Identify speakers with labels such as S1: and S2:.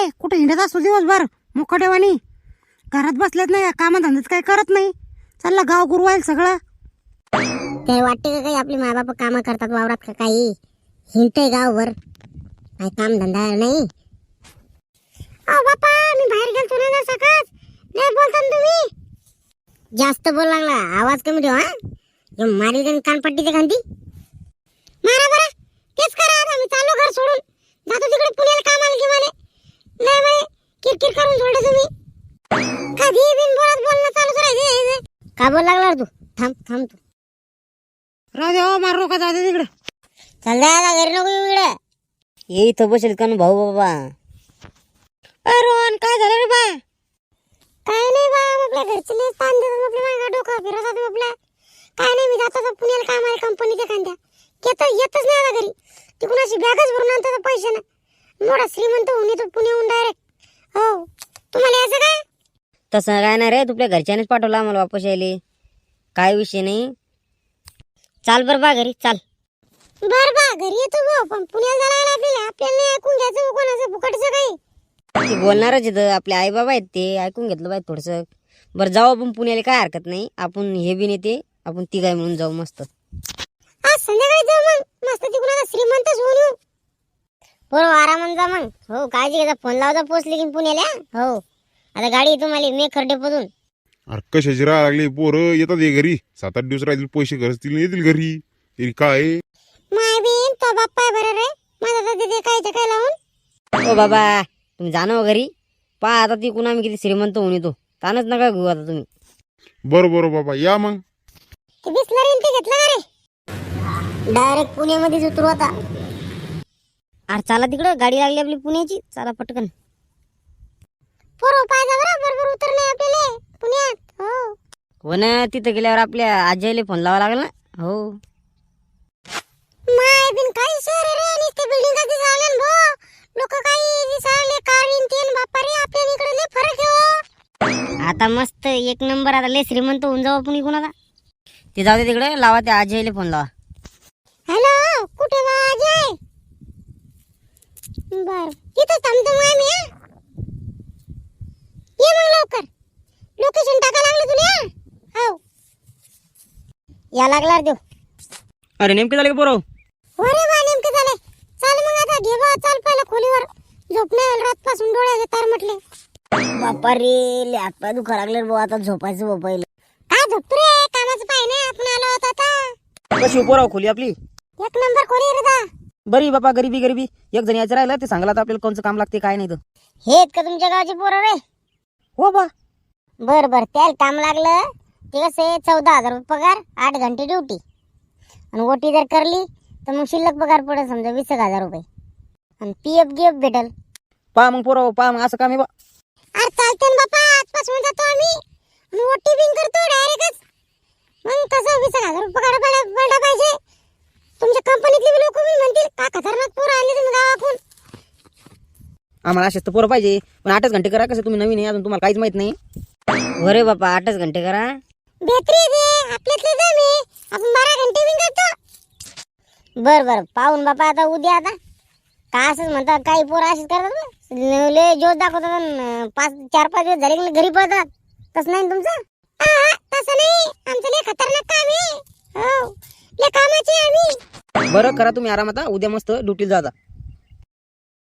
S1: कुठे हिंडत असतो दिवसभर मुकटेवानी. घरात बसलेत नाही, कामधंदाच काही करत नाही. चालला गाव गुरवाईल सगळं.
S2: काय वाटते का काही आपले माय बाप कामं करतात वावरात का काही? हिंडतंय गावभर, काय काम धंदा नाही. बापा मी बाहेर गेलतो ना सकाळ. नाही बोलता ना तुम्ही. जास्त बोल लागला, आवाज कमी ठेवा. जो मारी गण कानपट्टी ते गांधी मारा बरं. तेच करा आता. मी चाललो घर सोडून, जातो तिकडे पुण्याला कामाला घेवाले. नाही म्हणे किरकिर करून सोडलं तुम्ही. कधी बिन बोलत बोलणं चालू करायचं. का बोल लागला तू? थांब थांब तू.
S1: राहू दे हो, मारू नका, जाऊ दे तिकडे.
S2: चल दादा घरी नको येऊ इकडे. ये इथं बसेल का भाऊ बाबा.
S1: अरे रोहन, काय झालं रे बा?
S2: काय नाही बा, आपल्या घरचे लय ताण देतात. आपल्या मागं डोकं फिरवतात आपल्या. काय नाही, मी जातो पुण्याला कामाला कंपनीच्या खांद्या. येतच नाही आता घरी. ती कुणाची बॅगच भरून आणतात पैसे ना. मोठा श्रीमंत होऊन येतो पुण्याहून डायरेक्ट. हो, तुम्हाला यायचं काय?
S3: तसं काय नाही रे, तुझ्या घरच्यानेच पाठवलं आम्हाला वापस यायले. काय विषय नाही. चाल बरं बा घरी चाल.
S2: बर बा घरी येतो भाऊ, पण पुण्याला जायला आपल्याला नाही ऐकून घ्यायचं कोणाचं फुकटचं काही.
S3: ते बोलणारच इथं, आपले आई बाबा आहेत, ते ऐकून घेतलं पाहिजे थोडंसं. बरं जाऊ आपण पुण्याला, काय हरकत नाही. आपण हे बी नेते, आपण तिघाय म्हणून जाऊ मस्त.
S2: आज संध्याकाळी जाऊ मग, मस्त तिकडून आता श्रीमंतच होऊन येऊ. बरोबर आरामात जा मग. हो काळजी घ्या, फोन लावता पोचले की पुण्याला. हो आता गाडी तुम्हाला मी खर्डेपतून.
S4: अरे कशाची राह लागली, पोरं येतात हे घरी. 7-8 दिवस राहतील, पैसे घरतील, येतील घरी. तरी काय
S2: माय बीन तो बाप्पा आहे बरं रे. माझा तर तिथे काय लावून.
S3: ओ बाबा तुम्ही जाणं घरी. पहा आता ती कुणा आम्ही किती श्रीमंत होऊन येतो. तानच नका घेऊ आता तुम्ही.
S4: बरं बाबा या मग.
S2: ते बिस्लरी ते घेतलं का रे? डायरेक्ट पुण्यामध्येच उतरू आता.
S3: अरे चला तिकडं, गाडी लागली आपली पुण्याची. चला पटकन.
S2: पोरं पाहिजे बरोबर उतरणे आपल्याला पुण्यात.
S3: हो ना, तिथं गेल्यावर आपल्या आजीला फोन लावा लागेल ना. हो
S2: माय बिन काही शहर रे, आणि ते बिल्डिंग कधी झाले भो. लोक काही दिसाले काळीन तेन बाप्पा रे. आपल्या इकडे लय फरक आहे.
S3: आता मस्त एक नंबर. आता लय श्रीमंत होऊन जाऊ आपण इकडून आता. ते जाऊ दे तिकडे, लावा त्या आजीला फोन लावा.
S2: हॅलो कुठे बा अजय? बर तिथं थांबतो मग आम्ही. ये मग लवकर. लोकेशन टाका लागलं तुला. हो या लागला देऊ.
S3: अरे नेमके झाले का पोरं?
S2: अरे बा नेमके झाले. चाल मग आता घे बा, चाल पहिलं खोलीवर. झोपणे रात पासून डोळ्याचे तार म्हटले.
S3: बापा रे, लय हातपाय दुखा लागले भाऊ. आता झोपायचं भाऊ पहिलं.
S2: काय झोपतो रे? कामाचं पाय नाही, आपण आलो होतो आता.
S3: कशी पोराव खोली आपली?
S2: एक नंबर खोली रे दा.
S3: बरी बापा, गरीबी एक जण यायचं राहिलं ते सांगला. आता आपल्याला कोणचं काम लागते काय नाही तर.
S2: हे का तुमच्या गावची पोरं रे?
S3: हो बा.
S2: बर बर त्याला काम लागलं. ते कसं 14,000 रुपये पगार, 8 घंटे ड्युटी. आणि ओटी जर करली तर मग शिल्लक पगार पडेल समजा 20,000 रुपये. आणि पीएफ गिएफ भेटल.
S3: पहा मग पोराव, पहा मग असं काम आहे बा.
S2: अरे चालते ना बापा, आजपासून जातो आम्ही. आणि ओटी बिन करतो डायरेक्टच. मग कसं 20,000 रुपये पगार पडला पाहिजे. तुमच्या कंपनीतले लोक मी म्हणतील का खतरनाक पोरं आले तुम्ही गावातून.
S3: आम्हाला असेच तर पोरं पाहिजे. पण 8च घंटे करा. कसं तुम्ही नवीन आहे अजून, तुम्हाला काहीच माहित नाही. अरे बापा 8च घंटे करा.
S2: बेत्री दे आपल्यातले दम आहे. आपण 12 घंटे बिन करतो. बर पाहून बापा आता उद्या. आता का असंच म्हणतात काही पोरं असेच करतात. लय जोश दाखवतात. 4-5 दिवस झाले की घरी पळतात. तसं नाही तुमचं? तसं नाही, आमचं लय खतरनाक काम आहे. हो लय कामाचे आम्ही.
S3: बरं करा तुम्ही आराम. आता उद्या मस्त ड्युटीला जा.